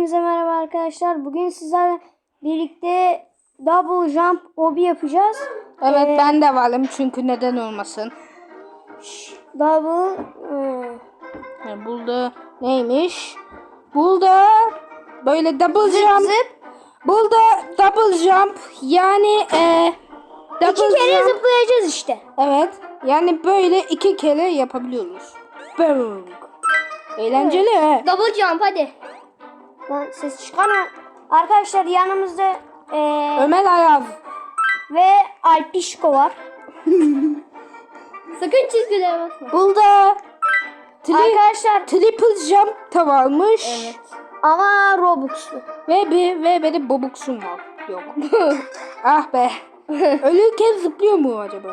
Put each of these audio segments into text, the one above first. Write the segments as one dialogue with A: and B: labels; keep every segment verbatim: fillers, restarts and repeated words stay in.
A: Hepinize merhaba arkadaşlar. Bugün sizlerle birlikte double jump obi yapacağız.
B: Evet
A: Ee,
B: ben de varım çünkü neden olmasın.
A: Double ıı,
B: Yani buldu neymiş? Buldu böyle double
A: zıp
B: jump.
A: zıp.
B: Buldu double jump yani e, double
A: İki kere
B: jump.
A: zıplayacağız işte.
B: Evet yani böyle iki kere yapabiliyoruz. Boom. Eğlenceli he.
C: Double jump hadi.
A: Lan ses çıkarma. Arkadaşlar yanımızda ee,
B: Ömer Ayaz.
A: ve Alpişko var.
C: Sakın çizgilere basma.
B: Buldu. Tri
A: Arkadaşlar
B: triple jump da varmış.
C: Evet.
A: ama Robux'lu.
B: Ve bir ve benim bobuksum var. Yok. Ah be. Ölürken zıplıyor mu acaba?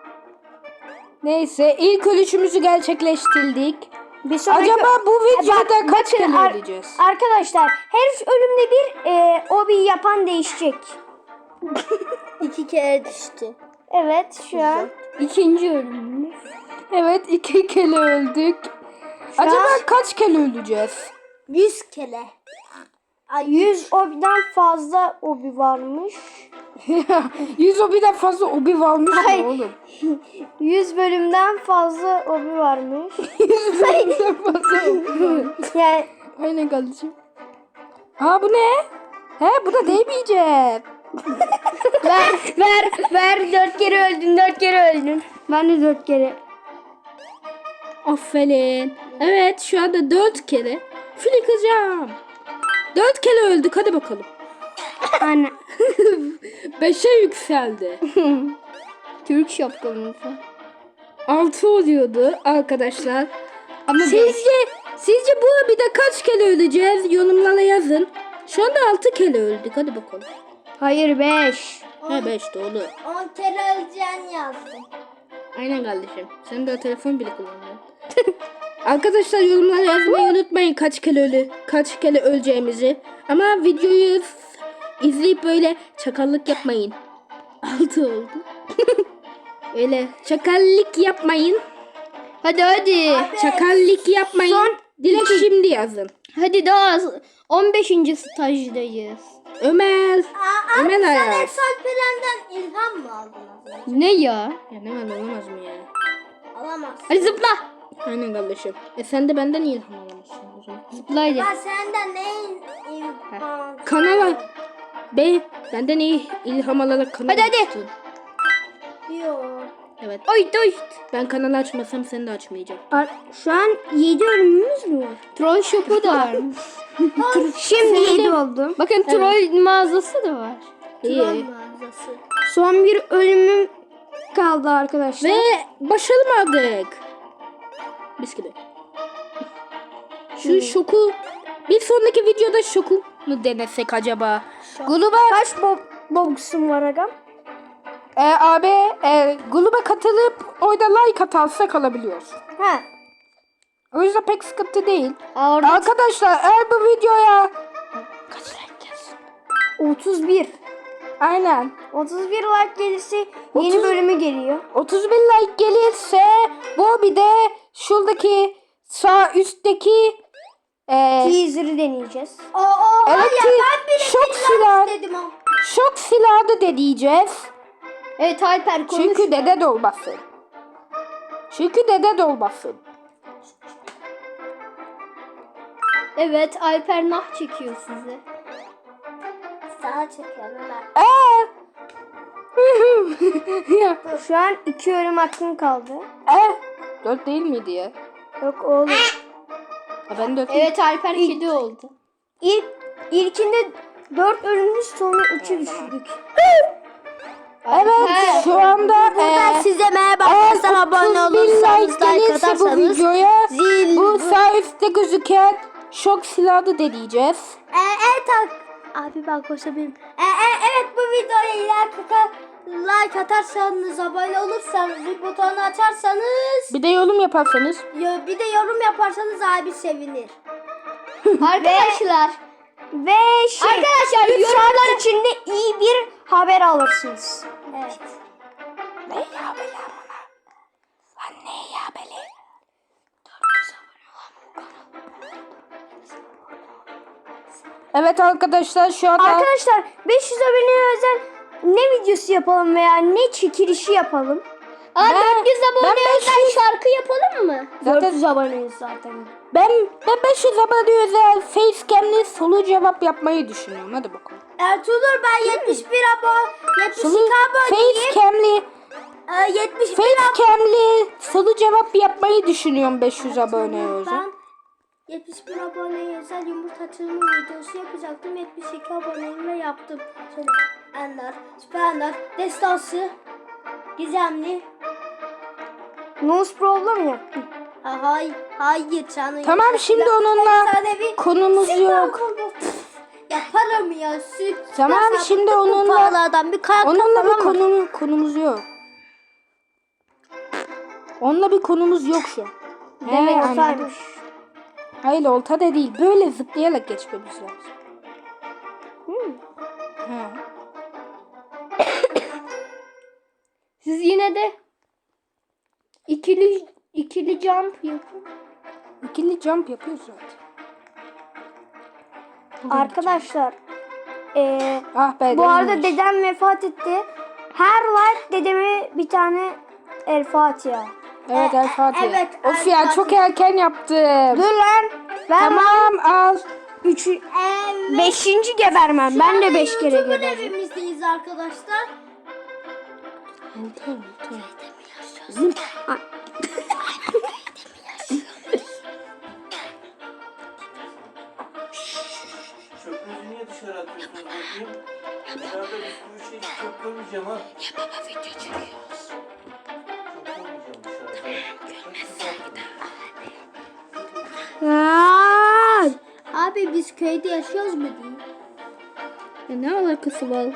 B: Neyse ilk ölüşümüzü gerçekleştirdik.
A: Bir sonraki...
B: Acaba bu videoda
A: Bak,
B: kaç
A: bakın
B: kere
A: ar-
B: öleceğiz?
A: Arkadaşlar her ölümde bir e, obi yapan değişecek.
C: İki kere düştü.
A: Evet şu an.
C: İkinci ölümümüz.
B: Evet iki kere öldük.
A: Şu
B: Acaba
A: an
B: kaç kere öleceğiz?
C: Yüz kere.
A: yüz obiden fazla obi varmış.
B: yüz obiden fazla obi varmış
A: Hayır.
B: mı oğlum?
A: yüz bölümden fazla obi varmış.
B: yüz bölümden fazla obi varmış.
A: Yani
B: Aynen kardeşim. Aa bu ne? He bu da değmeyecek.
A: ver ver ver dört kere öldün dört kere öldün. Ben de dört kere.
B: Aferin. Evet şu anda dört kere flikacağım. Dört kere öldük hadi bakalım.
A: Anne.
B: Beşe yükseldi.
C: Türk şapkamızı.
B: Altı oluyordu arkadaşlar.
C: Ama
B: Sizce sizce bu bir de kaç kere öleceğiz? Yorumlara yazın. Şu anda altı kere öldük. Hadi bakalım.
A: Hayır beş.
B: He beş de olur.
C: on kere öleceğini yazdım.
B: Aynen kardeşim. Sen de telefon bile kullanıyorsun. Arkadaşlar yorumlara yazmayı unutmayın kaç kere ölü, kaç kere öleceğimizi. Ama videoyu izleyip böyle çakallık yapmayın. Altı oldu. Öyle çakallık yapmayın.
C: Hadi hadi.
B: Çakallık yapmayın.
A: Son
B: Direkt şimdi yazın.
C: Hadi daha az. on beşinci stajdayız.
B: Ömer. Ömer Ayaz.
C: Alperen'den ilham mı aldın? Ne ya?
B: Ya ne var olamaz mı ya?
C: Alamaz. Hadi zıpla.
B: Aynen kardeşim. E sen de benden ilham alamazsın o zaman.
C: Zıpla hadi.
D: Senden ne ilham?
B: Kanala. Be benden iyi ilham alarak kanal
C: Hadi, hadi.
B: açtın.
D: Yok.
B: Evet.
C: Oy oy.
B: Ben kanalı açmasam sen de açmayacaksın.
A: Ar- Şu an yedi ölümümüz mü var?
C: Troll shop'u da var.
A: Şimdi yedi oldu.
C: Bakın troll mağazası da var.
B: İyi.
D: Mağazası.
A: Son bir ölümüm kaldı arkadaşlar.
B: Ve başaramadık. Biz gibi. Şu şoku bir sonraki videoda şoku mu denesek acaba? Gruba
A: Kaç bo- box'um var agam?
B: e, abi e, gruba katılıp orada like atarsak alabiliyoruz.
A: Ha.
B: O yüzden pek sıkıntı değil.
C: Aa, orada
B: Arkadaşlar eğer bu videoya kaç like gelsin?
A: otuz bir.
B: Aynen.
A: otuz bir like gelirse yeni
B: otuz
A: bölümü geliyor.
B: otuz bin like gelirse bu bir de şuradaki sağ üstteki e,
A: Teaser'ı deneyeceğiz.
D: O o
B: evet,
D: ya ben bile
B: şok silah
D: dedim o.
B: şok silahı da deneyeceğiz.
C: evet Alper konuş.
B: Çünkü dede dolması. Çünkü dede dolması.
C: Evet Alper nah çekiyor size.
D: Sana çekiyorum ben.
B: Eee. ya.
A: Şu an iki ölüm hakkım kaldı.
B: E. Dört değil miydi ya?
A: Yok oğlum.
B: Ha, ben dört.
C: Evet Alper kedi oldu.
A: İlk, ilkinde dört ölümümüz sonra üçü düşürdük.
B: Evet şu anda
D: Ben
B: e,
D: size merhaba
B: eğer
D: arkadaşlar, abone
B: otuz bin
D: olursanız
B: like
D: like
B: gelirse bu
D: atarsanız
B: videoya
D: zil
B: bu sağ üstte gözüken şok silahı da deneyeceğiz.
D: e, evet ak- abi ben koşabilirim. E, e, evet bu videoya like, ata- like atarsanız, abone olursanız, bir butonu açarsanız,
B: Bir de yorum yaparsanız.
D: ya bir de yorum yaparsanız abi sevinir.
C: Arkadaşlar.
A: Ve şey,
C: Arkadaşlar
A: üç
C: yorumlara
A: saat içinde iyi bir haber alırsınız.
D: Evet.
B: Ne haberi amına? Lan ne haberi? Dört yüz abone olan bu kanal. Evet arkadaşlar şu anda
A: Arkadaşlar beş yüz aboneye özel ne videosu yapalım veya ne çekilişi yapalım?
D: Aa,
B: Ben-
D: dört yüz
B: ben
D: abone
B: beş
D: özel
B: yüz
D: şarkı yapalım mı?
B: zaten
A: dört yüz aboneyiz zaten.
B: ben ben beş yüz abone özel facecam'li soru cevap yapmayı düşünüyorum. Hadi bakalım.
D: Ertuğrul ben yetmiş bir abone, yetmiş
B: Soru
D: iki aboneyim.
B: facecam'li
D: Ee, yetmiş bir
B: facecam'li soru cevap yapmayı düşünüyorum beş yüz abone özel.
D: Ben yetmiş bir aboneye özel yumurta açılımı videosu yapacaktım. yetmiş iki aboneyimle yaptım. Şöyle Ender, Süper Ender, Destansı, Gizemli.
A: Nose problem yaptım.
D: Ha, hay, hayır canım.
B: Tamam şimdi onunla konumuz yok.
D: Yaparım ya. Süt.
B: Tamam,
D: Mesela
B: şimdi
D: bu
B: onunla-
D: pahalardan bir kayak
B: Onunla bir
D: yapalım mı?
B: konu, konumuz yok. Onunla bir konumuz yok şu an. He,
A: Demek
B: anladım.
A: olsaymış.
B: Hayır olta da değil. Böyle zıplayarak geçmemiz lazım. He.
A: Siz yine de ikili ikili jump yapın.
B: İkili jump yapıyoruz zaten.
A: Arkadaşlar eee
B: Ah be.
A: bu arada
B: değilmiş.
A: dedem vefat etti. Her like dedeme bir tane El Fatiha.
B: Evet El Fatih.
D: evet,
B: Of
D: El
B: ya
D: Fatih.
B: çok erken yaptım.
A: Dur lan. Ben
B: Tamam al.
A: üçü,
D: Evet.
A: beşinci gebermem.
D: Şu
A: Ben
D: anda
A: de beş kere
D: YouTuber
A: geberdim.
D: evimizdeyiz arkadaşlar.
B: Olta olta.
E: Çöpünüzü niye dışarı atıyorsunuz bakayım? Dışarıda bir sürü şey çöp koymayacağım ha. Ya baba video çekiyoruz. Çöp koymayacağım dışarıda.
A: Aa!
D: Abi biz köyde yaşıyoruz mu diyeyim?
B: Ya ne alakası var?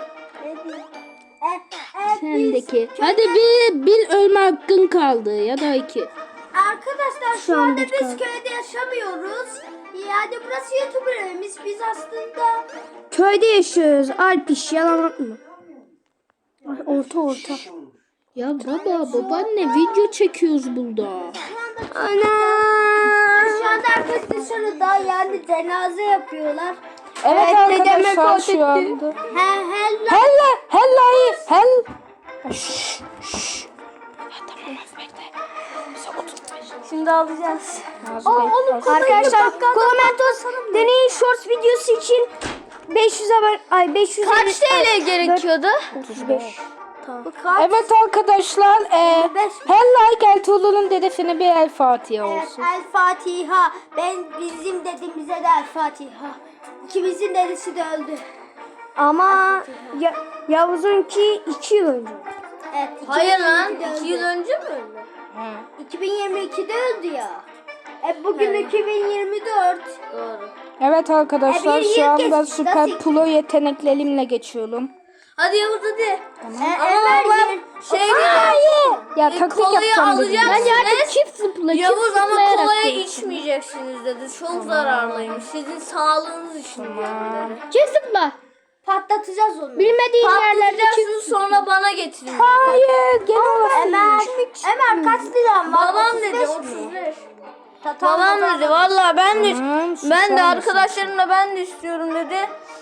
D: E, e,
B: Sendeki. Hadi bir, bir ölme hakkın kaldı ya da iki.
D: Arkadaşlar şu,
A: Şu an
D: anda
A: bir
D: biz
A: kaldı.
D: köyde yaşamıyoruz. Yani burası YouTuber evimiz. Biz aslında
A: Köyde yaşıyoruz. Alp iş yalan atma. Ay, orta orta.
B: Ya baba babaanne video çekiyoruz burada.
A: Ana!
D: şu anda herkes dışarıda yani cenaze yapıyorlar.
B: Evet,
A: Evet, dedem
B: arkadaşlar
A: vefat
B: şu
A: etti.
B: anda.
D: He he la-
B: Hella hella hell. Şşş şşş. Ya tamam bekle. Bize otuz beş.
A: Şimdi alacağız.
B: Ağzı
A: Arkadaşlar Komentos deneyin shorts videosu için beş yüz abone ay beş yüz
D: Kaç T L
A: gerekiyordu?
B: otuz beş.
D: Bu kaç?
B: Evet arkadaşlar, e,
D: beş.
B: her like Ertuğrul'un dedesine bir El Fatiha
D: Evet,
B: olsun.
D: El Fatiha. Ben bizim dedemize de El Fatiha. İkimizin dedesi de öldü.
A: Ama ya, Yavuz'unki iki yıl önce.
D: Evet.
C: Hayır lan.
D: iki bin yirmi ikide
C: iki yıl
D: öldü.
C: önce mi öldü?
B: Ha.
D: iki bin yirmi ikide öldü ya. E bugün iki bin yirmi dört.
C: Doğru.
B: Evet arkadaşlar,
D: E, bir
B: şu
D: yıl
B: anda
D: geçti,
B: süper
D: nasıl-
B: pro yeteneklerimle geçiyorum.
C: Hadi Yavuz hadi.
D: E,
C: Ama
D: Ömer
C: baba
D: yer-
C: şey
B: Ya
C: E,
B: taktik
C: kolayı
B: yapacağım dedim.
C: alacağım.
B: ya.
C: Ben
A: çift zıpla.
C: Yavuz ama kolayı içmeyeceksiniz dedi. Çok zararlıymış. Sizin sağlığınız için diyorum dedi.
A: Çift zıpla.
D: patlatacağız onu.
A: Bilmediğin yerlerde çift
C: Patlayacaksınız sonra bana getirin dedi.
B: Hayır, gene olsun.
D: Ömer, Ömer kaç liram var?
C: Babam
D: otuz
C: dedi
D: beş mi?
C: otuz beş.
D: Ta- tamam,
C: Babam
D: o zaman-
C: dedi valla ben de
B: Tamam,
C: ben
B: susar
C: de
B: mısın?
C: arkadaşlarımla ben de istiyorum dedi.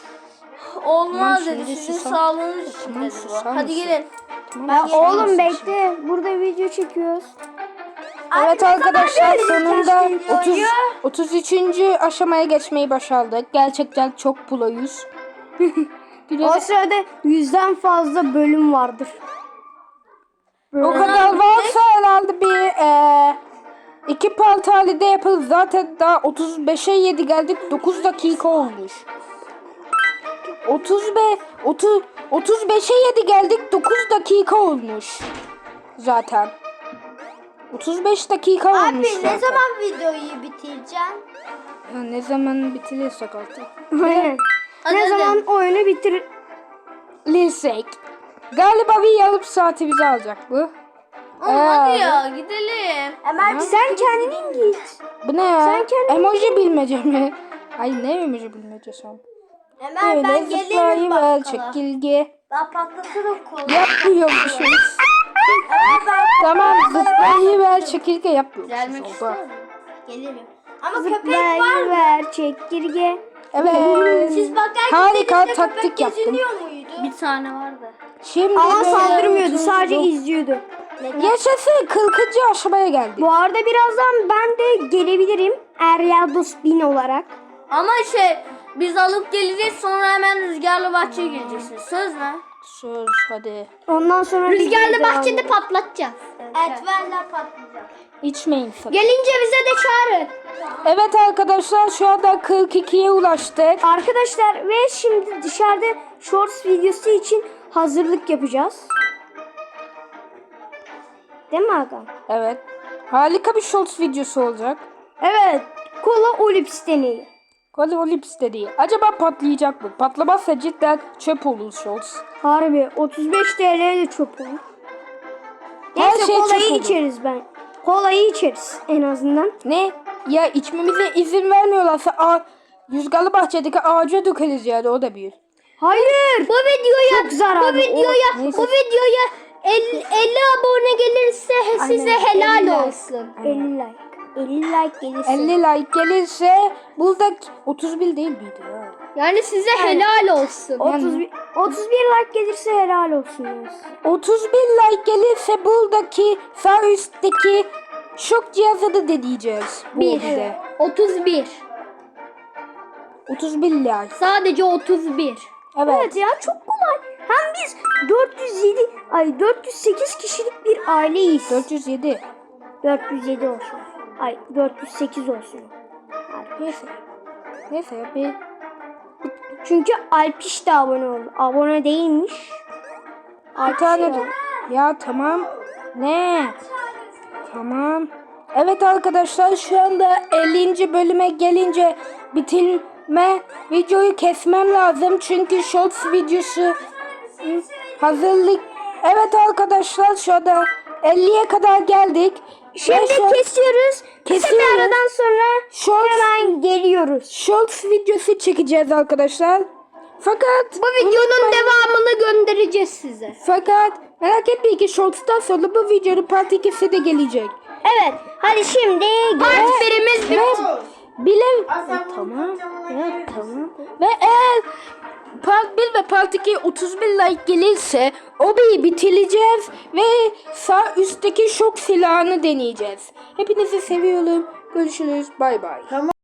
C: Olmaz
B: Tamam,
C: dedi.
B: şimdi
C: Sizin
B: susar-
C: sağlığınız için
B: Tamam,
C: dedi.
B: susar
C: bu. Hadi
B: mısın?
C: gelin.
A: Ya oğlum bekle. Burada video çekiyoruz.
B: Evet
D: Abi, ne
B: arkadaşlar,
D: zaman vereceğiz
B: sonunda
D: videoyu?
B: otuz, otuz üçüncü aşamaya geçmeyi başardık. Gerçekten çok proyuz.
A: O sırada yüzden fazla bölüm vardır.
B: O kadar varsa herhalde bir e, iki part halinde yapılır. Zaten daha otuz beşe yedi geldik. dokuz dakika olmuş. otuz beş otuz otuz beşe yedi geldik. dokuz dakika olmuş. Zaten. otuz beş dakika olmuş
D: Abi
B: zaten.
D: ne zaman videoyu bitireceksin?
B: Ha, ne zaman bitirirsek artık.
A: Aynen.
C: Hadi,
A: Ne
C: hadi.
A: zaman oyunu bitir.
B: Lirsek. Galiba bir yarım saati bize alacak bu.
C: Oğlum
B: Ee,
C: hadi ya gidelim.
D: Ömer biz
A: Sen kendin git.
B: Bu ne ya?
A: Sen kendin-
B: Emoji bilmece mi? Ay ne emoji bilmece son?
D: Ömer
B: Öyle
D: ben gelirim
B: zıplayıver
D: bakkala.
B: çekilge.
D: Ben patlatırım kolu.
B: Yapmıyormuşuz. Tamam zıplayıver çekilge yapmıyormuşuz.
C: Gelmek
B: Oldu.
C: istiyor musun?
D: Gelirim. Ama köpek var mı?
A: Zıplayıver çekirge.
B: Evet.
D: Siz bakarken
B: Harika
D: denizde
B: taktik
D: köpek
B: yaptım.
D: geziniyor muydu?
C: Bir tane vardı.
B: Şimdi
A: Ama
B: böyle
A: saldırmıyordu.
B: otuz-
A: Sadece izliyordu.
B: Yaşasın kırkıncı aşamaya geldik.
A: Bu arada birazdan ben de gelebilirim. Eryados bin olarak.
C: Ama şey biz alıp geleceğiz sonra hemen rüzgarlı bahçeye gireceksiniz. Söz mü?
B: Söz hadi.
A: Ondan sonra
C: Rüzgarlı
A: videoyu
C: bahçede
A: devam-
C: patlatacağız.
D: Etverler patlayacak.
B: İçmeyin sakın.
A: Gelince bize de çağırın.
B: Evet arkadaşlar şu anda kırk ikiye ulaştık.
A: Arkadaşlar ve şimdi dışarıda shorts videosu için hazırlık yapacağız. Değil mi Hakan?
B: Evet. Harika bir shorts videosu olacak.
A: Evet. Kola Olips deneyi.
B: Hadi Olips dediği. Acaba patlayacak mı? Patlamazsa cidden çöp olur shorts.
A: Harbi otuz beş T L'ye de çöp olur.
B: Her
A: Neyse
B: şey
A: kolayı
B: çöp olur.
A: içeriz ben. Kolayı içeriz en azından.
B: Ne? Ya içmemize izin vermiyorlarsa a rüzgarlı bahçedeki ağaca dökeriz yani o da bir.
A: Hayır. Bu videoya çok zararlı.
C: Bu videoya
B: neyse.
C: bu videoya elli abone gelirse size
A: Aynen,
C: helal
A: elli like.
C: olsun.
A: elli like. elli like gelirse.
B: elli like gelirse burada otuz bir değil miydi ya?
C: Yani size helal olsun.
A: otuz bir, otuz bir like gelirse helal olsun. diyoruz.
B: otuz bir like gelirse buradaki sağ üstteki şok cihazı da deneyeceğiz. Bu
C: Bir.
B: bize.
C: otuz bir.
B: otuz bir like.
C: Sadece otuz bir.
B: Evet.
A: Evet ya çok kolay. Hem biz dört yüz yedi ay dört yüz sekiz kişilik bir aileyiz.
B: dört yüz yedi.
A: dört yüz yedi olsun. Ay dört yüz sekiz olsun.
B: Neyse. Neyse bir
A: Çünkü Alpiş de abone oldu. Abone değilmiş.
B: Bir tane de. Ya tamam. Ne? Tamam. Evet arkadaşlar şu anda ellinci bölüme gelince bitirme videoyu kesmem lazım. Çünkü shorts videosu hazırlık. Evet arkadaşlar şu anda elliye kadar geldik.
A: Şimdi
B: Ve şu-
A: kesiyoruz. Kısa bir
B: Kesiyoruz.
A: aradan sonra
B: Shorts,
A: hemen geliyoruz.
B: shorts videosu çekeceğiz arkadaşlar. Fakat
C: Bu videonun devamını göndereceğiz size.
B: fakat merak etmeyin ki shorts'tan sonra bu videonun part ikisi de gelecek.
A: Evet. Hadi şimdi
C: Part birimiz bitti.
B: Bile tamam. Ya tamam. Ve eğer part bir ve part iki otuz bir like gelirse obiyi bitireceğiz ve sağ üstteki şok silahını deneyeceğiz. Hepinizi seviyorum. Görüşürüz. Bay bay.